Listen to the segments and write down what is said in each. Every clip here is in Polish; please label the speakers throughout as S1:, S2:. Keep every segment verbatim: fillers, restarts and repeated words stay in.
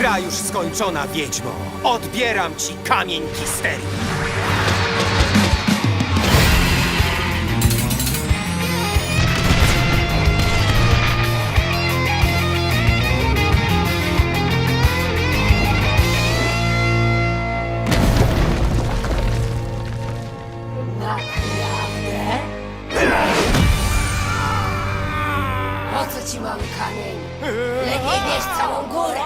S1: Gra już skończona, wiedźmo. Odbieram ci kamień Kisterii.
S2: Naprawdę? Po co ci mały kamień? Lepiej bierz całą górę!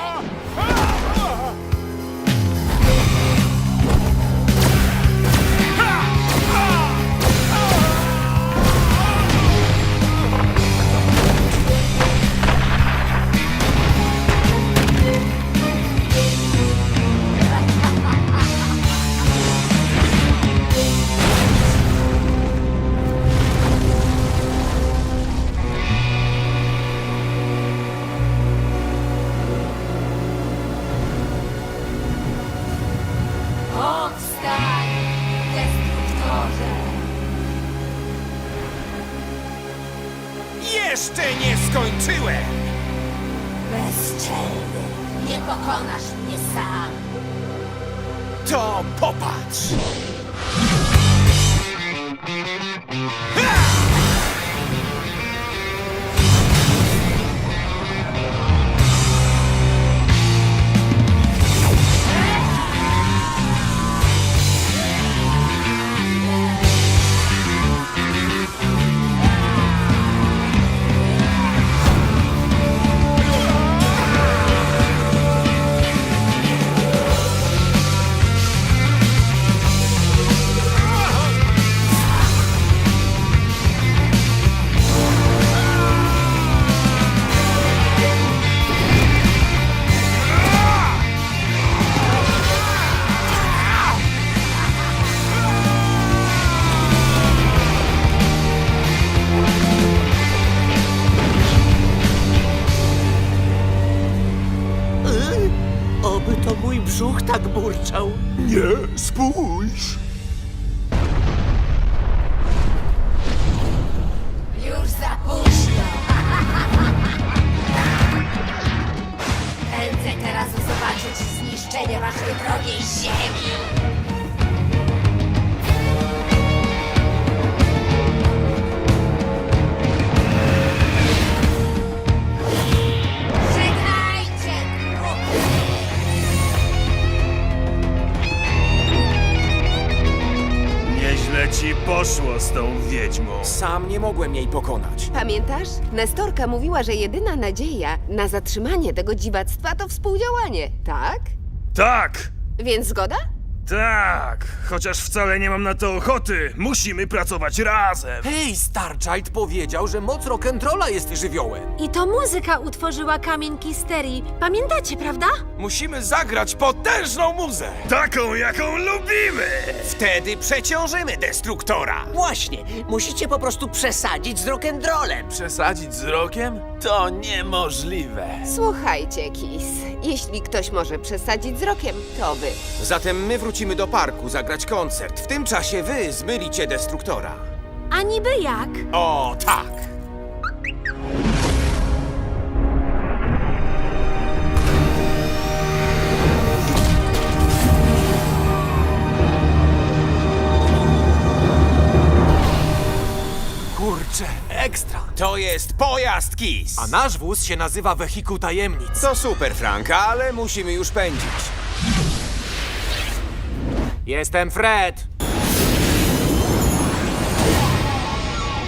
S2: Powstań, destruktorze!
S1: Jeszcze nie skończyłem!
S2: Bezczelny, nie pokonasz mnie sam!
S1: To popatrz!
S3: Oby to mój brzuch tak burczał.
S4: Nie, spójrz!
S2: Już za późno! Pędzę teraz zobaczyć zniszczenie waszej drogiej ziemi! Żegnajcie, trupy!
S4: Nieźle ci poszło z tą wiedźmą.
S1: Sam nie mogłem jej pokonać.
S5: Pamiętasz? Nestorka mówiła, że jedyna nadzieja na zatrzymanie tego dziwactwa to współdziałanie, tak?
S4: Tak!
S5: Więc zgoda?
S4: Tak! Chociaż wcale nie mam na to ochoty. Musimy pracować razem.
S1: Hej, Starchild powiedział, że moc rock'n'rolla jest żywiołem.
S6: I to muzyka utworzyła kamień Kisterii. Pamiętacie, prawda?
S1: Musimy zagrać potężną muzę.
S4: Taką, jaką lubimy!
S1: Wtedy przeciążymy destruktora.
S3: Właśnie, musicie po prostu przesadzić z rock'n'rollem.
S7: Przesadzić z rokiem? To niemożliwe.
S5: Słuchajcie, Kis, jeśli ktoś może przesadzić z rokiem, to wy.
S1: Zatem my wrócimy do parku zagrać koncert. W tym czasie wy zmylicie destruktora.
S6: A niby jak?
S1: O, tak!
S7: Kurczę, ekstra.
S1: To jest pojazd Kiss.
S7: A nasz wóz się nazywa Wehikuł Tajemnic.
S1: To super, Frank, ale musimy już pędzić.
S7: Jestem Fred.